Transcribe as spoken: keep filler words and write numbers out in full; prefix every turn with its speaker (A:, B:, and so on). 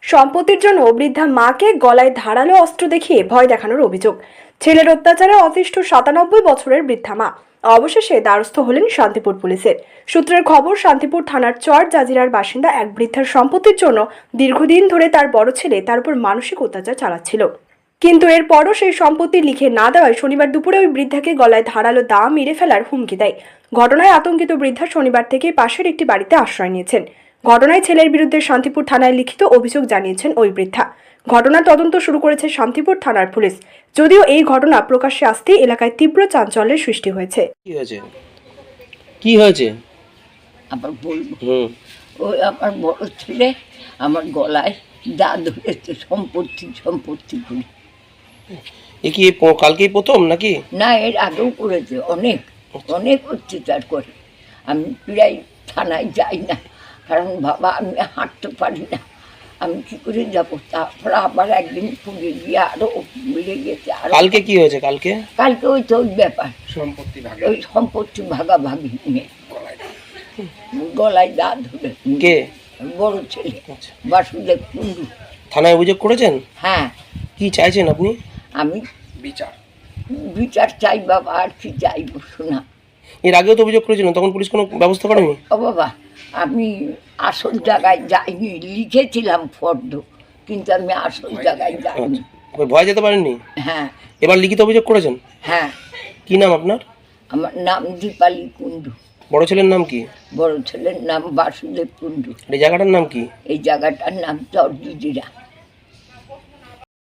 A: সম্পত্তির জন্য বৃদ্ধা মাকে গলায় ধারালো অস্ত্র দেখিয়ে ভয় দেখানোর অভিযোগ। ছেলের অত্যাচারে অতিষ্ঠ সাতানব্বই বছরের বৃদ্ধা মা অবশেষে দ্বারস্থ হলেন শান্তিপুর পুলিশের। সূত্রের খবর, শান্তিপুর থানার চর জাজিরার বাসিন্দা এক বৃদ্ধার সম্পত্তির জন্য দীর্ঘদিন ধরে তার বড় ছেলে তার উপর মানসিক অত্যাচার চালাচ্ছিল, কিন্তু এরপরও সেই সম্পত্তি লিখে না দেওয়ায় শনিবার দুপুরে ওই বৃদ্ধাকে গলায় ধারালো দা মেরে ফেলার হুমকি দেয়। ঘটনায় আতঙ্কিত বৃদ্ধা শনিবার থেকে পাশের একটি বাড়িতে আশ্রয় নিয়েছেন। ঘটনায় ছেলের বিরুদ্ধে শান্তিপুর থানায় লিখিত অভিযোগ জানিয়েছেন ওই বৃদ্ধা। ঘটনার তদন্ত শুরু করেছে শান্তিপুর থানার পুলিশ। যদিও এই ঘটনা প্রকাশ্যে আসতেই এলাকায় তীব্র চাঞ্চল্যের সৃষ্টি হয়েছে।
B: কি হয়েছে কি হয়েছে
C: আবার বলবো, ওই আমার বড় ছেলে আমার গলায় দা ধরেছে সম্পত্তি সম্পত্তি করে।
B: এ কি প- কালকেই প্রথম নাকি?
C: না, এর আগেও করেছে, অনেক অনেক অত্যাচার করে। আমি প্রায় থানায় যাই না, কারণ বাবা আমি হাঁটতে পারি না, আমি কি করে যাব। তারপরে আবার একদিন পুড়ে গিয়ে আরো বেড়ে গেছে। আর
B: কালকে কি হয়েছে? কালকে
C: কালকে ওই তো ওই ব্যাপার,
B: সম্পত্তি ভাগ
C: ওই সম্পত্তি ভাগাভাগি নিয়ে গলায় দা ধরে।
B: কে?
C: বড় ছেলে বাসুদেব কুণ্ডু।
B: থানায় অভিযোগ করেছেন?
C: হ্যাঁ,
B: কি চাইছেন আপনি?
C: আমি
B: বিচার
C: বিচার চাই বাবা, আর কি চাইব শোনা।
B: এর আগেও তো অভিযোগ করেছিলেন, তখন পুলিশ কোনো ব্যবস্থা করেনি?
C: ও বাবা, আমি আসল জায়গায় যাইনি, লিখেছিলাম ফর্দ, কিন্তু আমি আসল জায়গায় যাইনি।
B: ওই ভয় যেতে পারেননি?
C: হ্যাঁ
B: এবার লিখিত অভিযোগ করেছেন?
C: হ্যাঁ,
B: কি নাম আপনার?
C: আমার নাম দীপালি কুণ্ডু।
B: বড় ছেলের নাম কি?
C: বড় ছেলের নাম বাসুদেব কুণ্ডু।
B: এই জায়গাটার নাম কি?
C: এই জায়গাটার নাম চর জাজিরা।